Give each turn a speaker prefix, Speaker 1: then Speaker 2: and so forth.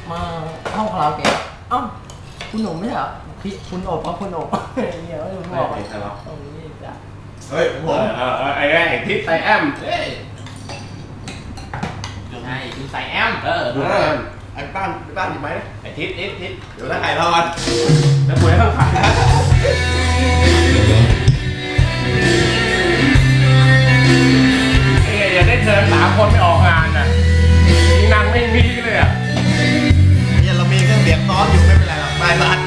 Speaker 1: มาห้องคาราโอเกะเอ้าคุณหนุ่มไม่ใช่เหรอพี่คุณโอบเพราะคุณโอบเดี๋ยวผมบอก
Speaker 2: ไม่ใช่หรอ
Speaker 1: ตรงนี้จ้ะ
Speaker 3: เฮ้ยผม
Speaker 2: ไอ้ทิศไซแอมเฮ้ย
Speaker 4: ใช่ดูใส่แอม
Speaker 2: ดูไซแอม
Speaker 3: ไอ้บ้านหยิบไหม
Speaker 2: ไอ้ทิศทิศ
Speaker 3: เดี๋ยวถ้าไก่ทอด
Speaker 2: แล้วคุยข้างขาอย่าได้เชิญ3 คนไม่ออกงานน่ะนางไม่มีเลยอ่ะ
Speaker 3: เนี่ยเรามีเครื่องเสียงซ้อนอยู่ไม่เป็นไรหรอกได้บ้าน